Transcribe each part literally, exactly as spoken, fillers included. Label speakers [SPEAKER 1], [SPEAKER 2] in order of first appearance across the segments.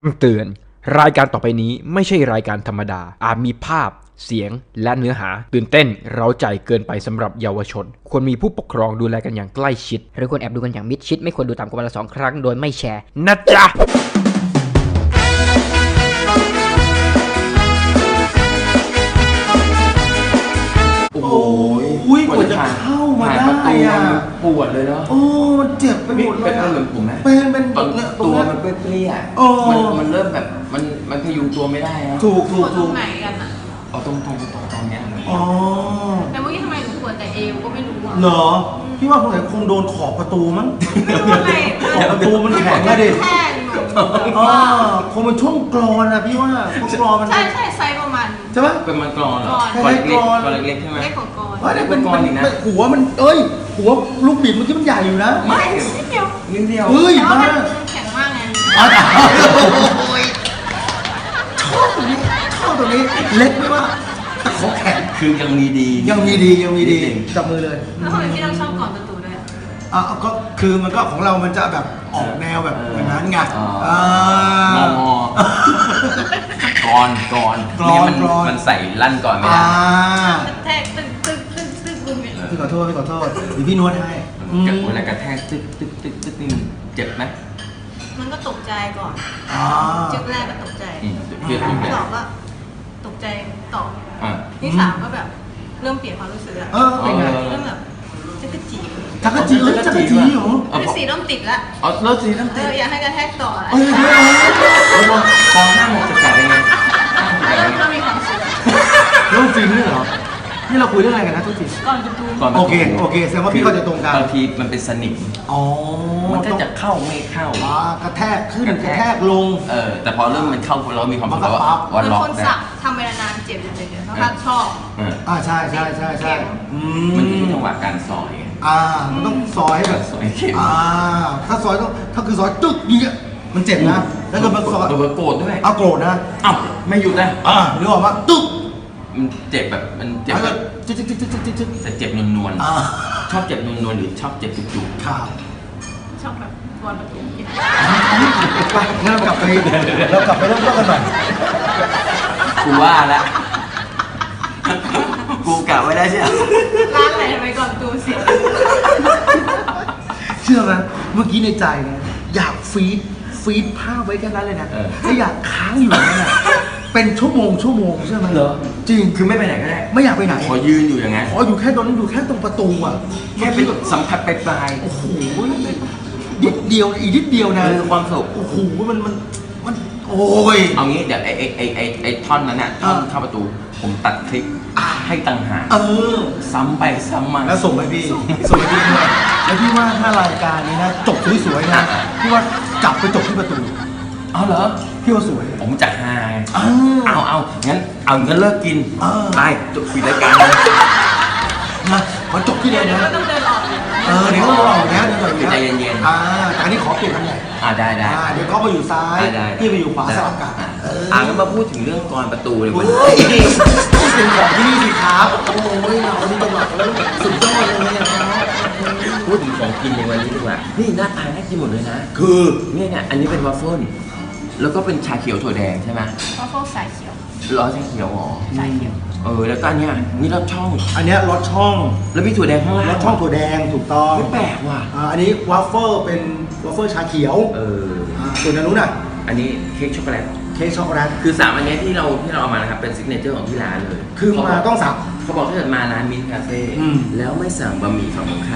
[SPEAKER 1] เตือนรายการต่อไปนี้ไม่ใช่รายการธรรมดาอาจมีภาพเสียงและเนื้อหาตื่นเต้นเร้าใจเกินไปสำหรับเยาวชนควรมีผู้ปกครองดูแลกันอย่างใกล้ชิดหรือควรแอบดูกันอย่างมิดชิดไม่ควรดูต่ำกว่าวันละสองครั้งโดยไม่แชร์นะจ๊ะ
[SPEAKER 2] โอ้ย
[SPEAKER 3] อุ้ยกว่าจะเข้ามาได้อ่ะ
[SPEAKER 2] ปวดเลยเนาะ
[SPEAKER 3] โอ้มันเจ็บไปหมดเลย
[SPEAKER 2] เป็นเหมือนผมไหม
[SPEAKER 3] เป็นเป็น
[SPEAKER 2] ตอน
[SPEAKER 3] เนี่ยตร
[SPEAKER 2] ตั
[SPEAKER 3] ง
[SPEAKER 2] ว
[SPEAKER 3] เนี้ย
[SPEAKER 2] มันเปรี้ย
[SPEAKER 3] โอ้
[SPEAKER 2] ๆมันมันเริ่มแบบมันมันพยุงตัวไม่ได้นะ
[SPEAKER 3] ถูก
[SPEAKER 4] ป
[SPEAKER 3] ถู
[SPEAKER 4] ว
[SPEAKER 3] ก
[SPEAKER 4] ดตร
[SPEAKER 3] ถู
[SPEAKER 4] ง
[SPEAKER 3] ก
[SPEAKER 4] ไหนกันอ่ะ
[SPEAKER 2] เอาตรงตรงตรงตรงเนี้ย
[SPEAKER 3] อ๋อ
[SPEAKER 4] แต่เมื่อกี้ทำไมหนูปวดแต่เอวก็ไม่รู้อ่ะ
[SPEAKER 3] เหรอพี่ว่าคงไหนคงโดนขอบประตูมั้ง
[SPEAKER 4] ไม่รู้อะไร
[SPEAKER 3] ขอบประตูมันแข็งอะดิ
[SPEAKER 4] แค่หนู
[SPEAKER 3] อ๋อคงเป็นช่วงกรอนอะพี่ว่าพวกกรอนมัน
[SPEAKER 4] ใช่ใช่ไซส์ประมาณ
[SPEAKER 3] ใช่ปะ
[SPEAKER 2] เป็นมันกรอนเหรอ
[SPEAKER 4] ก่
[SPEAKER 2] กร
[SPEAKER 4] อ
[SPEAKER 2] อน นเล็ก
[SPEAKER 3] กรอน
[SPEAKER 2] กรอนเล็กๆใช่ไหม
[SPEAKER 4] เล็กของกอน
[SPEAKER 3] เฮ้ยเนี่ยเป็น
[SPEAKER 2] เป็นกรอนอีกนะ
[SPEAKER 3] เป็นหัวมันเอ้ยหัวลูกบิดเมื่อกี้มันใหญ่อยู่นะ
[SPEAKER 2] ไม่
[SPEAKER 4] นิดเดียว
[SPEAKER 2] นิดเดียว
[SPEAKER 3] เฮ้ย
[SPEAKER 4] แต่ว่า
[SPEAKER 3] มา
[SPEAKER 4] มันแข็งมากไง
[SPEAKER 3] อ๋อโอ้ยชอบตรงนี้ชอบตรงนี้เล็กไม่ว่าแต่เขาแข็ง
[SPEAKER 2] คือยังมีดี
[SPEAKER 3] ยังมีดียังมีดี
[SPEAKER 2] นิดนึง
[SPEAKER 3] จับมือเลย
[SPEAKER 4] แล้วทำไมพี่ต้องชอบก่อนประตูด้วยอะ
[SPEAKER 3] อ่ะก็คือมันก็ของเรามันจะแบบออกแนวแบบอย่างนั้นไง
[SPEAKER 2] อ๋อ
[SPEAKER 3] อ่าง
[SPEAKER 2] องอกรอนกรอน
[SPEAKER 3] กรอน
[SPEAKER 2] ไม่งั้น
[SPEAKER 3] กรอน
[SPEAKER 2] มันใส่ลั่นก่อนไม่
[SPEAKER 3] อ่า
[SPEAKER 2] ได้
[SPEAKER 4] แทกตึ๊กตึ๊กตึ๊กตึ๊กบึ้มเนี่ย
[SPEAKER 3] พี่ขอโทษพี่ขอโทษเดี๋ยวพี่นวดให้อืม
[SPEAKER 2] เวลากระแทกตึ๊กตึ๊กตึ๊กตึ๊กนี่มันเจ็บไหม
[SPEAKER 4] มันก็ตกใจก่อน
[SPEAKER 3] อ่า
[SPEAKER 4] จึ๊กแรกก็ตกใจ
[SPEAKER 2] อืมเพี้ยนถูก
[SPEAKER 4] ที่
[SPEAKER 2] แล้
[SPEAKER 4] สอ
[SPEAKER 2] ว
[SPEAKER 4] งก็ตกใจต่อ
[SPEAKER 2] อ่า
[SPEAKER 4] ที่สามก็แบบเริ่มเปลี่ยนความรู้สึกอะ
[SPEAKER 3] เออเป็นไง
[SPEAKER 4] เริ่มแบบจะกระจี
[SPEAKER 3] จักรจีเอ้ยจักรจีเหรอ
[SPEAKER 4] คือสีเริ่มติดละ
[SPEAKER 2] อ๋อแล้วสีน้ำ
[SPEAKER 4] เอ
[SPEAKER 2] ติด
[SPEAKER 4] ออยากให้กระแทกต่ออะไร
[SPEAKER 3] เอ้ยเดี๋ยว
[SPEAKER 2] แล้วก็กองหน้าหมกจะแตกยังไง
[SPEAKER 4] แล้วเริ่มก็มีความสุข
[SPEAKER 3] เรื่องฟิล์มด้วยเหรอนี่เราคุยเรื่องอะไรกันนะทุกที
[SPEAKER 4] ก่อนประตู
[SPEAKER 2] ก่อน
[SPEAKER 3] โอเคโอเคแสดงว่าพี่เข้าใจตรงกัน
[SPEAKER 2] บางทีมันเป็นสนิม
[SPEAKER 3] อ๋อ
[SPEAKER 2] มันก็จะเข้าไม่เข้า
[SPEAKER 3] อ่ากระแทกขึ้นก
[SPEAKER 2] ก
[SPEAKER 3] ระ
[SPEAKER 2] ระ
[SPEAKER 3] แท
[SPEAKER 2] แท
[SPEAKER 3] ก
[SPEAKER 2] ก
[SPEAKER 3] ลง
[SPEAKER 2] เออแต่พอเริ่มมันเข้าเรามีความสุข
[SPEAKER 3] มันก็
[SPEAKER 2] แล้ว
[SPEAKER 3] ปั๊บ
[SPEAKER 2] ว่า
[SPEAKER 4] เหมือน
[SPEAKER 2] ล็อก
[SPEAKER 4] คน
[SPEAKER 2] ได้
[SPEAKER 4] สักทำเวลานานเจ็บเฉยๆเพราะถ้าชอบ
[SPEAKER 2] เออ
[SPEAKER 3] อ่าใช่ใช่ใช่ใช่อื
[SPEAKER 2] มันอยู่ที่จังหวะการซอยไง
[SPEAKER 3] อ่ามันต้องซอยให้แบบ
[SPEAKER 2] ซอยเข็ม
[SPEAKER 3] อ่าถ้าซอยต้องถ้าคือซอยตึ๊กอย่างเงี้ยมันเจ็บนะแล้วก็มันซอย
[SPEAKER 2] เบอร์โกรธด้วย
[SPEAKER 3] เอาโกรธนะ
[SPEAKER 2] เอ้าไม่หยุดนะ
[SPEAKER 3] อ่านึกออกมาตึ๊ก
[SPEAKER 2] มันเจ็บแบบมันเจ็บ
[SPEAKER 3] แล้ว
[SPEAKER 2] แบ
[SPEAKER 3] ก็
[SPEAKER 2] บ
[SPEAKER 3] จิ๊กจิ๊กจิ๊กจิ๊กจิ๊กจิ๊ก
[SPEAKER 2] แต่เจ็บนวล
[SPEAKER 3] อ่า
[SPEAKER 2] ๆชอบเจ็บนวลๆหรือชอบเจ็บจุก
[SPEAKER 3] ข่าว
[SPEAKER 4] ชอบแบบก่อนประตูเจ็บ
[SPEAKER 3] ไปงั้นเรากลับไปเรากลับไปเริ่มต้นกันใหม่
[SPEAKER 2] ๆกูว่าละ กูกะไว้ได้ใช่ไหม
[SPEAKER 4] ร้านไหนทำไมก่อนประตูเสีย
[SPEAKER 3] เชื่อไหมเมื่อกี้ในใจนะอยากฟีดฟีดภาพไว้แค่นั้นเลยนะถ้าอยากค้างอยู่นั่นน่ะเป็นชั่วโมงชั่วโมงใช่ไหม
[SPEAKER 2] เหรอ
[SPEAKER 3] จริง
[SPEAKER 2] คือไม่ไปไหนก็ได้
[SPEAKER 3] ไม่อยากไปไหน
[SPEAKER 2] ขอยืนอยู่อย่างงั้น
[SPEAKER 3] ขออยู่แค่ตรงนั้นอยู่แค่ตรงประตูอ่ะ
[SPEAKER 2] แค่เป็นสัมผัสปลาย
[SPEAKER 3] โอ้โหนิดเดียวอีกนิดเดียว
[SPEAKER 2] ๆ
[SPEAKER 3] นะ
[SPEAKER 2] เออความสุข
[SPEAKER 3] โอ้โหมันมันมันโอ้ย
[SPEAKER 2] เอางี้เดี๋ยวไอ้ไอ้ไอ้ไอ้ไอ้ท่อนนั้นน่ะท่อน
[SPEAKER 3] อ่า
[SPEAKER 2] เข้าประตู ผมตัดคลิป
[SPEAKER 3] อ่า
[SPEAKER 2] ให้ต่างหาก
[SPEAKER 3] เออ
[SPEAKER 2] ซ้ำไปซ้ำมา
[SPEAKER 3] แล้วส่งไปพี่ส่งไปพี่ด้วยแล้วพี่ว่าถ้ารายการนี้นะจบสวยๆนะพี่ว่ากลับไปจบที่ประตู
[SPEAKER 2] เอาเหรอ
[SPEAKER 3] พี่ว่าสวย
[SPEAKER 2] ผมจะหาไง
[SPEAKER 3] อ้า
[SPEAKER 2] เอาเอางั้นเอางั้นเลิกกิน
[SPEAKER 3] อ่า
[SPEAKER 2] ไปจบปิดรายการเลย
[SPEAKER 3] นะขอจบที่เดียว
[SPEAKER 4] เดี๋ยว
[SPEAKER 3] นะ
[SPEAKER 4] ก็ต้องเดินออกเลย
[SPEAKER 3] เออเดี๋ยวก็รออยู่แล้วเดี๋ยวรออยู่แล้ว
[SPEAKER 2] ใจเย็นๆ
[SPEAKER 3] อ่าแต่อันนี้ขอเปลี่ยนตำแหน่ง
[SPEAKER 2] อ่าได้ได้
[SPEAKER 3] อ่าเดี๋ยวเขาไปอยู่ซ้าย
[SPEAKER 2] ได้ได้
[SPEAKER 3] พี่ไปอยู่ขวาสลับกัน
[SPEAKER 2] อ่ะ
[SPEAKER 3] เออ
[SPEAKER 2] อ่างั้นมาพูดถึงเรื่องกรประตูเลย
[SPEAKER 3] โอ้
[SPEAKER 2] วัน
[SPEAKER 3] ย
[SPEAKER 2] นี้
[SPEAKER 3] เป็นของที่นี่สิครับโอ้ยเรานี่จังหวะแล้วสุดยอดเลยเนี่ยครับ
[SPEAKER 2] พูดถึงของกินในวันนี้ดีกว่า นี่หน้าตาน่ากินหมดเลยนะ
[SPEAKER 3] คือ
[SPEAKER 2] เนี่ยเนี่ยอันนี้เป็นวัฟเฟิลแล้วก็เป็นชาเขียวถั่วแดงใช่ไหม
[SPEAKER 4] เพราะพวกสายเขียว
[SPEAKER 2] ร้อนชาเขียวอ๋อ
[SPEAKER 4] สายเขียว
[SPEAKER 2] เออแล้วก็อันเนี้ยนี่รสช่อง
[SPEAKER 3] อันเนี้ยรสช่อง
[SPEAKER 2] แล้วมีถั่วแดงข้างล่าง
[SPEAKER 3] รสช่องถั่วแดงถูกต้อง
[SPEAKER 2] ไม่แปลกว่ะ
[SPEAKER 3] อ่าอันนี้วัฟเฟิลเป็นวัฟเฟิลชาเขียว
[SPEAKER 2] เออ
[SPEAKER 3] อ่าส่วนอันนู้นอ่ะ
[SPEAKER 2] อันนี้เค้กช็อกโกแลต
[SPEAKER 3] เค้กช็อกโกแลต
[SPEAKER 2] คือสามอันเนี้ยที่เราที่เราเอามานะครับเป็นซิกเนเจอร์ของที่ร้านเลย
[SPEAKER 3] คือมาต้องสั่ง
[SPEAKER 2] เขาบอกถ้าเกิดมาร้านมินคาเฟ่
[SPEAKER 3] อืม
[SPEAKER 2] แล้วไม่สั่งบะหมี่ฝั่งตรงข้าม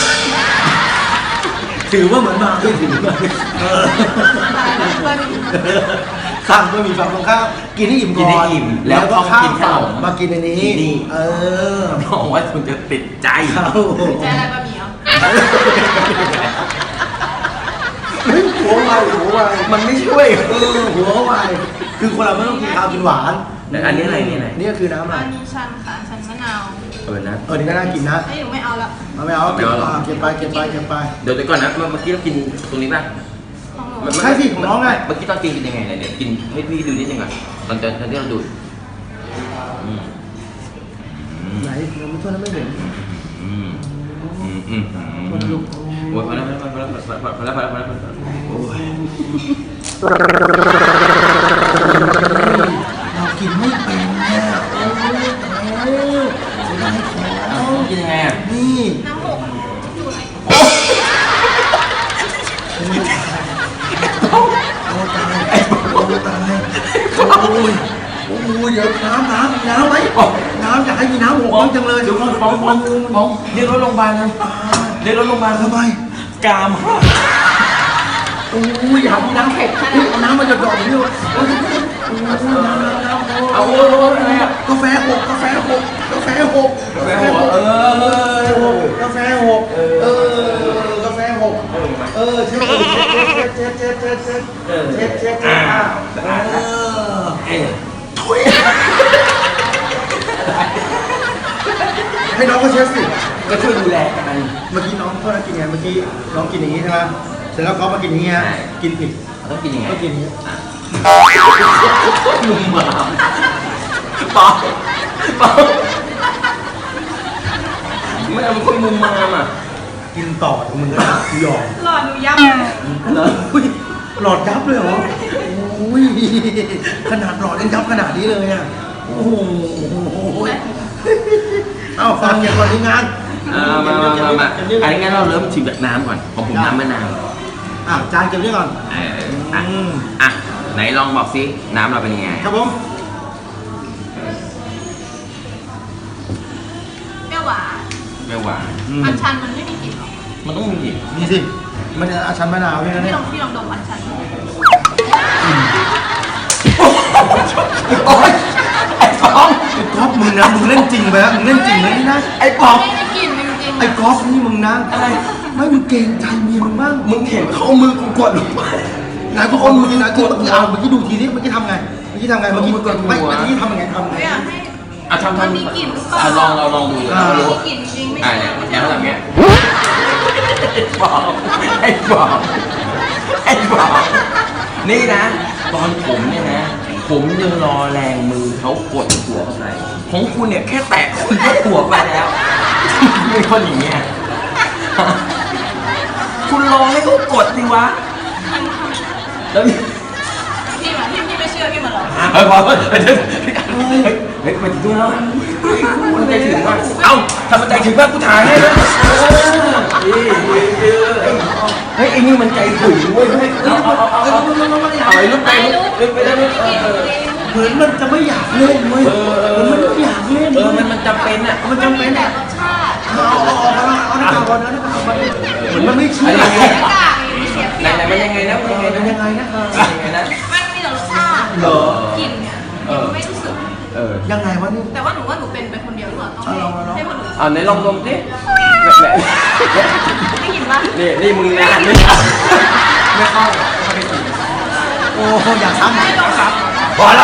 [SPEAKER 3] ถือว่าเหมือนมาไม่ถึงเออ
[SPEAKER 4] ตายแล้วเพื่อน
[SPEAKER 3] สั่งก็มีฝั่งตรงข้ามกินให้อิ่ม
[SPEAKER 2] กิน
[SPEAKER 3] ก่อ
[SPEAKER 2] ให้
[SPEAKER 3] น
[SPEAKER 2] อิ่ม
[SPEAKER 3] แล้วก็
[SPEAKER 2] ต้อง
[SPEAKER 3] ข้า
[SPEAKER 2] กิ
[SPEAKER 3] ม
[SPEAKER 2] นข
[SPEAKER 3] ฝั่
[SPEAKER 2] น
[SPEAKER 3] ง
[SPEAKER 2] ม
[SPEAKER 3] มากินอันนี้
[SPEAKER 2] ที่นี่
[SPEAKER 3] เออ
[SPEAKER 2] บอกว่าคุณจะติดใจ
[SPEAKER 3] เข้า
[SPEAKER 4] ใจอะไรบะหมี่เหรอ
[SPEAKER 3] เฮ้ยหัวไวหัวไว
[SPEAKER 2] มันไม่ช่วย
[SPEAKER 3] เออหัวไวคือคนเราไม่ต้องกินข้าวกินหวาน
[SPEAKER 2] แล้วอันนี้อะไรนี่อะไร
[SPEAKER 3] นี่ก็คือน้ำอะไร
[SPEAKER 4] อันชันค่ะชันมะนาว
[SPEAKER 2] เออนะ
[SPEAKER 3] เออนี่ก็น่ากินนะ
[SPEAKER 4] ให้หนูไม่เอาละ
[SPEAKER 3] เอาไม่เอาเก็บ
[SPEAKER 2] ไม่เอาหรอ
[SPEAKER 3] อ่าเก็บไปเก็บไปเก็บไป
[SPEAKER 2] เดี๋ยวเดี๋ยวก่อนนะเมื่อเมื่อกี้เรากินตรงนี้ป่ะ
[SPEAKER 4] ของหนู
[SPEAKER 2] มัน
[SPEAKER 3] ใช่สิของน้องไง
[SPEAKER 2] เมื่อกี้ตอนกินกินยังไงเนี่ยเดี๋ยวกินให้พี่ดูนิดนึงก่อนตอนตอนตอนที่เราดูดอืมอืม
[SPEAKER 3] ไหนเราไม่ช่วยแล้วไม่เห็น
[SPEAKER 2] อืมอืมอืมอืม
[SPEAKER 3] คนลุก
[SPEAKER 2] โอ้ยพอแล้วพอแล้วพอแล้วพอแล้วพอแล้วพอแล้วพอแล้วโอ้ย
[SPEAKER 3] เรากินไม่เป็นเนี่ยโอ้ยตายแล้วเสียดายของ
[SPEAKER 2] กินยังไงอ่ะ
[SPEAKER 3] นี่
[SPEAKER 4] น้ำหกอยู่ไหน
[SPEAKER 3] โอ้ตายโอ้ตายโอ้ยโอ้ยเดี๋ยวน้ำน้ำน้ำไหมน้ำอยากให้มีน้ำหกบ้างจังเลย
[SPEAKER 2] เดี๋ยวก่อนฟ้องฟ้องฟ้องเรียกรถโรงพยาบาลเลยเรียกรถโรงพยาบาล
[SPEAKER 3] ทำไม
[SPEAKER 2] กามหัก
[SPEAKER 3] โอ้ยอยากมีน้ำเผ็ดเอาน้ำมาหยดๆนี่ด้วยโอ้ยน้ำน้ำน้ำ
[SPEAKER 2] เอาโอ้โหอะไรอ่ะ
[SPEAKER 3] กาแฟหกกาแฟหกกาแฟหก
[SPEAKER 2] กาแฟหัวเออก
[SPEAKER 3] าแฟหกเออกาแฟหกเออเช็ดเช็ดเช็ดเช็ดเช็ดเช็ดเช็ดเช็ดเช็ดเออ
[SPEAKER 2] เอ้ย
[SPEAKER 3] ถุยให้น้องก็เช็ดสิ
[SPEAKER 2] ก็ช่วยดูแลกัน
[SPEAKER 3] เมื่อกี้น้องโทษนะกินไงเมื่อกี้น้องกินอย่างนี้ใช่ไหมเสร็จแล้วเขามากินอย่างนี้ฮะกินผิด
[SPEAKER 2] ต้องกินยังไง
[SPEAKER 3] ต้องกินอย่างนี้
[SPEAKER 2] ลุมหมาปอกปอกไม่เอาเป็นคนมุมมามอ่ะ
[SPEAKER 3] กินต่อมึงก็ยอม
[SPEAKER 4] หลอดหนูยับ
[SPEAKER 3] อุ้ยหลอดยับเลยเหรอโอ้ยขนาดหลอดยังยับขนาดนี้เลยอ่ะโอ้โหเอ้าฟังอย่างก่อนที่งาน
[SPEAKER 2] อ่ามามามามาอันนี้งั้นเราเริ่มชิมจากน้ำก่อนของผมน้ำมะนาว
[SPEAKER 3] อ่ะจานเก็บไว้ก่อน
[SPEAKER 2] เอออ่ะ
[SPEAKER 3] อืม
[SPEAKER 2] อ่ะไหนลองบอกซิน้ำเราเป็นยังไง
[SPEAKER 3] ครับผม
[SPEAKER 4] เปรี้ยวหวาน
[SPEAKER 2] ไม่หวาน
[SPEAKER 4] อัญชันมันไม่มีกลิ่นหรอก
[SPEAKER 2] มันต้องมีอีก
[SPEAKER 3] นี่สิมันอาชันมะนาวใช่ไหม
[SPEAKER 4] พี่
[SPEAKER 3] เนี่ย
[SPEAKER 4] ลองพี่ลองดมอัญชัน
[SPEAKER 3] โอ้ยไอ้ฟองไอ้ก๊อฟมึงนะมึงเล่นจริงไปแล้วมึงเล่นจริงเลยนี่นะไอ้ก๊อฟ
[SPEAKER 4] ไม่มีกลิ่นจริงๆ
[SPEAKER 3] ไอ้ก๊อฟนี่มึงนะอะไรไม่มึงเกรงใจเมียมึงบ้าง
[SPEAKER 2] มึงเห็นเขาเอามือกูกดลงไป
[SPEAKER 3] ไหนพวกคนมึงนะที่เมื่อกี้เอาเมื่อกี้ดูทีนี้เมื่อกี้ทำไงเมื่อกี้ทำไงเมื่อกี้ไม่เมื่อกี้ทำยังไงทำไง
[SPEAKER 4] ไม่อยากให้
[SPEAKER 2] อ่ะทำ
[SPEAKER 4] มัน
[SPEAKER 2] ทำ
[SPEAKER 4] มีกลิ่นหรือเปล่า
[SPEAKER 2] อ่ะลองเราลองดู
[SPEAKER 3] อ่า
[SPEAKER 2] เรา
[SPEAKER 4] ไม่
[SPEAKER 2] รู้
[SPEAKER 4] มีกลิ่นจริงๆไม่
[SPEAKER 2] อ่ะ
[SPEAKER 4] ใช่
[SPEAKER 2] เนี่ย
[SPEAKER 4] ไม่
[SPEAKER 2] แล้
[SPEAKER 4] ใช่
[SPEAKER 2] วทำเงี้ยบอกไอ้บอกไอ้บอกนี่นะ ตอนผมเนี่ยนะ ผมยังรอแรงมือเขากดหัวเข้าไปของคุณเนี่ยแค่แตะคุณก็หัวไปแล้วไม่คนอย่างเงี้ยคุณรอให้เขากดสิวะแล้ว
[SPEAKER 4] พี่มาพี่พี่ไม่เชื่อพี่มาหรอก
[SPEAKER 2] เฮ้ยพอเฮ้ยเฮ้ยเฮ้ยเฮ้ยมันดูแล้วมันใจถึงว่าเอ้าทำมันใจถึงว่ากูถ่ายให้นะเฮ้ยไอ้นี่มันใจถึงเว้ยเอาเอาเอาเอาเอาเอาไอ้ลูกไปลูกไปได้ไหม
[SPEAKER 3] เหมือนมันจะไม่อยากเล่นเว้ยเหมือนมันไม่อยากเล่น
[SPEAKER 2] เออมันมันจำเป็นอ่ะ
[SPEAKER 3] มัน
[SPEAKER 4] มัน
[SPEAKER 3] จำ
[SPEAKER 4] มี
[SPEAKER 3] เป็น
[SPEAKER 4] แต่
[SPEAKER 3] อ่ะ
[SPEAKER 4] รสชาติ
[SPEAKER 3] เอาเอาเอาเอาหน้ากากก่อนนะหน้ากากก่อนเหมือนมันไม่เชื่อ
[SPEAKER 4] เสียกากเสียเป
[SPEAKER 2] ไหน
[SPEAKER 4] รียบ
[SPEAKER 2] ไหนมันยังไงนะมันยังไงนะ
[SPEAKER 3] ยังไงนะ
[SPEAKER 2] ยังไงนะ
[SPEAKER 4] มันมีแต่รสชาติ
[SPEAKER 2] เหรอก
[SPEAKER 4] ลิ่นเนี่ยยังไม่รู้สึก
[SPEAKER 2] เออ
[SPEAKER 3] ยังไงวะนี่
[SPEAKER 4] แต่ว่าหนูว่าหนูเป็นเป็นคนเดียวหรือเปล่าต้องให้ให้คนอื่น
[SPEAKER 2] เอาไหนลองดมสิ
[SPEAKER 4] ได้ยินปะ
[SPEAKER 2] นี่นี่มึงนะไม่ไม่เข้า
[SPEAKER 3] โอ้อยากซ้ำ
[SPEAKER 4] ให้ลองครับ
[SPEAKER 2] พอแล้ว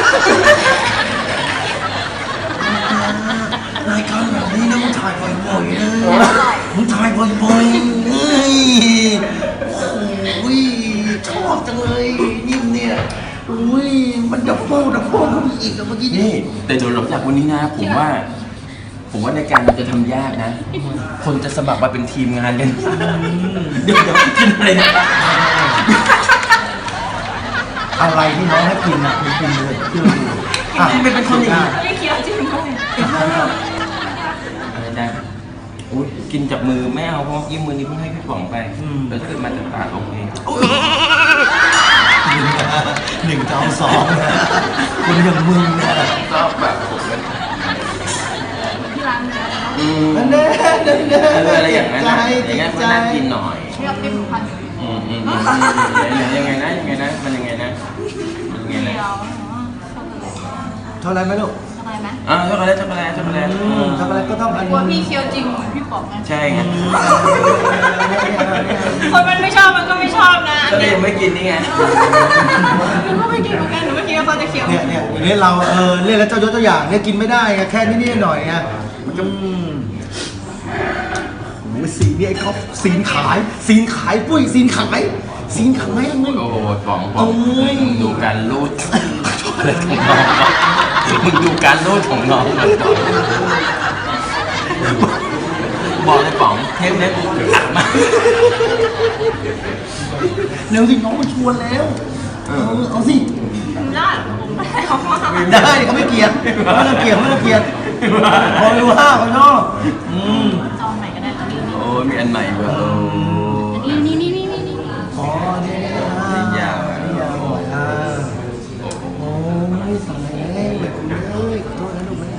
[SPEAKER 3] รายการแบบนี้นะมึงถ่ายบ่อยๆนะมึงถ่ายบ่อยๆเฮ้ยโอ้ยชอบจังเลยนิ่มเนี่ยอุ้ยมันดับเบิ้ลดับเบิ้ลเข้าไปอีกแล้วเมื่อกี้
[SPEAKER 2] นี่
[SPEAKER 3] นี่
[SPEAKER 2] แต่เดี๋ยวหลังจากวันนี้นะ ผมว่า ผมว่าในการมันจะทำยากนะ คนจะสมัครมาเป็นทีมงานกันเดี๋ยวเดี๋ยวกินอะไรนะ
[SPEAKER 3] อะไรที่น้องให้กินนะคุณกินเลยเชื่อดูอ่ะ
[SPEAKER 2] นี่เป็นคนอย่างนี้
[SPEAKER 4] ไม่เคี้ยวจริงด้วย
[SPEAKER 2] อะไรนะอุ๊ยกินจากมือไม่เอาเพราะยิ้มมือนี้เพิ่งให้พี่ป๋องไปแล้วถ้าเกิดมาจากปากโอเค
[SPEAKER 3] หนึ่งเจ้าสองนะคนอย่างมึงเนี่ย
[SPEAKER 2] ก็แบบผมก็
[SPEAKER 4] ที่ร้านเนื้อ
[SPEAKER 2] อืม
[SPEAKER 3] นั่นแน่นั่นแน่
[SPEAKER 2] เอออะไรอย่างนั้น
[SPEAKER 3] ใจ
[SPEAKER 2] นะอย่างนั้นก็น่ากินหน่อย
[SPEAKER 4] เรียบเรียบพันอยู่
[SPEAKER 2] อืมอืมอืมยังไงนะยังไงนะมันยังไงนะมันยังไง
[SPEAKER 4] เดี
[SPEAKER 2] นะ
[SPEAKER 4] ยวช็อกโกแลต
[SPEAKER 3] เท่าไรไหมลูก
[SPEAKER 4] ช็อกโกแลตไหม
[SPEAKER 2] อ่าช็อกโกแลตช็อกโกแลตช็อกโกแลต
[SPEAKER 3] อืมช็อกโกแลตก็ต้องอัน
[SPEAKER 4] กลัวพี่เคี้ยวจริงเหมือนพี่ป๋องไง
[SPEAKER 2] ใช่ไง
[SPEAKER 4] คนมันไม่ชอบมันก็ไม่ชอบนะ
[SPEAKER 2] ก็เลยยังไม่กินนี่ไง
[SPEAKER 4] หนูก็ไม่กินเหมือนกันหนูไม่คิดว่าเขาจะเคี้ยว
[SPEAKER 3] เนี่ยเนี่ยอย่างนี้เราเออเล่นแล้วเจ้ายศตัวอย่างเนี่ยกินไม่ได้ไงแค่นี้ๆหน่อยไงมันก็อืมโอ้ยสีนี่ไอ้ก๊อฟสีนขายสีนขายปุ้ยสีนขายสีนขายมึง
[SPEAKER 2] โอ้โหป๋องป๋
[SPEAKER 3] โอ้
[SPEAKER 2] อง
[SPEAKER 3] ย
[SPEAKER 2] มึงดูการรูดช็อกโกแลตของน้องมึงดูการรูดของน้องมันก่อนบอกเลยป๋องเทปนี้กูอัดมา
[SPEAKER 3] เร็วสิน้องมาชวนแล้วเออเอาสิ
[SPEAKER 4] ได้ผมไม่ได้เขาว่า
[SPEAKER 3] ได้เขาไม่เกลียดไม่ต้องเกลียดไม่ต้องเกลียดพอรู้ว่าเขาชอบอืม
[SPEAKER 4] จองใหม่ก็ได้ตอนนี้
[SPEAKER 2] โอ้มีอันใหม่เว้ยโอ้
[SPEAKER 4] นี่นี่นี่นี่นี่นี่
[SPEAKER 3] อ๋อนี่นะ
[SPEAKER 2] นี่ยาวอ่ะ
[SPEAKER 3] นี่ยาวอ่ะโอ้ยตายแล้วเอ้ยขอโทษนะลูกนะ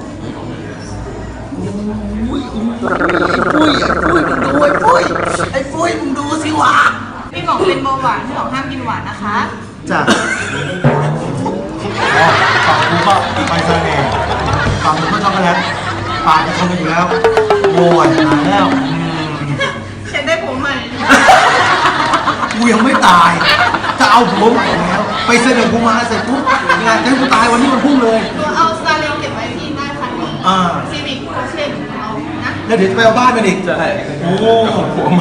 [SPEAKER 3] โอ้ยอุ้ยอุ้ยอุ้ยมึงดูไอ้ปุ้ยไอ้ปุ้ยมึงดูสิวะ
[SPEAKER 4] พี่บอกเป็นเบาหวานพี่บอกห้ามกินหวานนะคะ
[SPEAKER 3] จ้ะฝั่งกูก็ไปเสน่ห์ฝั่งมึงก็ช็อกโกแลตปากจะชนกันอยู่แล้วโอ้ยตายแล้วอืม
[SPEAKER 4] เช็ดได้ผมใหม่
[SPEAKER 3] กูยังไม่ตาย จะเอาผัวใหม่แล้ว ไปเสนอกูมาเสร็จปุ๊บงานจะให้กูตายวันนี้มันพุ่งเลย
[SPEAKER 4] ตัวเอาสตาร์เรลเก็บไว้ที่หน้าคันนี้
[SPEAKER 3] อ่า
[SPEAKER 4] ซีวิกโคเช่เอานะ
[SPEAKER 3] แล้วเดี๋ยวจะไปเอาบ้านมันอีก
[SPEAKER 2] ใช่
[SPEAKER 3] โอ้
[SPEAKER 2] หัวใหม่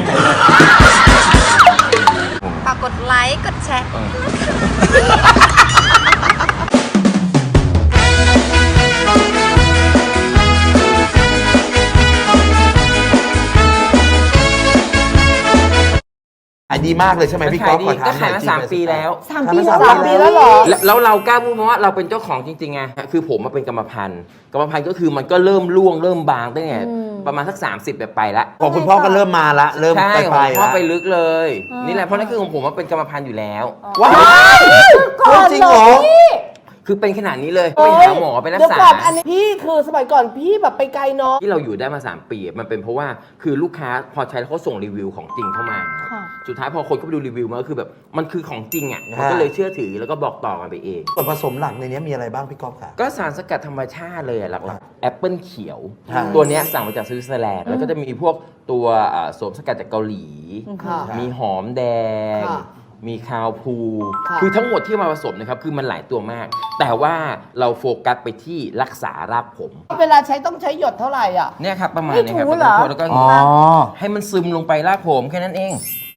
[SPEAKER 5] ฝากกดไลค์ กดแชร์
[SPEAKER 6] ขายดีมากเลยใช่ไหมพี่ก๊อฟขอถาม
[SPEAKER 7] ก็
[SPEAKER 6] หน่
[SPEAKER 7] ขาย
[SPEAKER 6] อย
[SPEAKER 7] มา
[SPEAKER 6] จริง
[SPEAKER 7] สาม
[SPEAKER 6] ไห
[SPEAKER 7] ปีแล้ว
[SPEAKER 6] สามปีสามปีแล้วเหรอ
[SPEAKER 7] แล้วแล้วเรากล้าพูดเพราะว่าเราเป็นเจ้าของจริงๆไงคือผมมาเป็นกรรมพันธุ์กรรมพันธุ์ก็คือมันก็เริ่มร่วงเริ่มบางตั้งแต่ประมาณสักสามสิบแบบไปละ
[SPEAKER 6] ของคุณพ่อก็เริ่มมาละเริ่ม
[SPEAKER 7] ใช่
[SPEAKER 6] ไป
[SPEAKER 7] ข
[SPEAKER 6] ไป
[SPEAKER 7] องพ่อ
[SPEAKER 6] ละ
[SPEAKER 7] ไปลึกเลย นี่แหละเพราะนั่นคือของผมว่าเป็นกรรมพันธุ์อยู่แล้ว
[SPEAKER 6] ว้าวจริงเหรอ
[SPEAKER 7] คือเป็นขนาดนี้เลยไปหาหมอไปรัก
[SPEAKER 8] เดี๋ยว
[SPEAKER 7] ษา
[SPEAKER 8] ก่อนอันนี้พี่คือสมัยก่อนพี่แบบไปไกลเนาะ
[SPEAKER 7] ที่เราอยู่ได้มาสามปีมันเป็นเพราะว่าคือลูกค้าพอใช้แล้วเขาส่งรีวิวของจริงเข้ามาครับ
[SPEAKER 8] ค่ะ
[SPEAKER 7] สุดท้ายพอคนเข้าไปดูรีวิวมันก็คือแบบมันคือของจริงอ่ะ
[SPEAKER 6] ฮะ
[SPEAKER 7] มันก็เลยเชื่อถือแล้วก็บอกต่อกันไปเอง
[SPEAKER 6] ส่วนผสมหลักในนี้มีอะไรบ้างพี่ก๊อฟค่ะ
[SPEAKER 7] ก็สารสกัดธรรมชาติเลยอะหลักๆแอปเปิลเขียว
[SPEAKER 6] ครับ
[SPEAKER 7] ตัวเนี้ยสั่งมาจากสวิตเซอร์แลนด์แล้วก็จะมีพวกตัวอ่าโสมสกัดจากเกาหลี
[SPEAKER 8] ค่ะ
[SPEAKER 7] มีหอมแดง
[SPEAKER 8] ค่ะ
[SPEAKER 7] มีคาวพู
[SPEAKER 8] ค่ะ
[SPEAKER 7] คือทั้งหมดที่มาผสมนะครับคือมันหลายตัวมาก แต่ว่าเราโฟกัสไปที่รักษารากผม
[SPEAKER 8] เวลาใช้ต้องใช้หยดเท่าไหร่อ่ะ
[SPEAKER 7] เนี่ยครับประมาณ
[SPEAKER 8] ไม่
[SPEAKER 7] นี้ครับ
[SPEAKER 8] ถูเหรอ
[SPEAKER 7] แล้วก็
[SPEAKER 6] อ๋อ
[SPEAKER 7] ให้มันซึมลงไปรากผมแค่นั้นเอง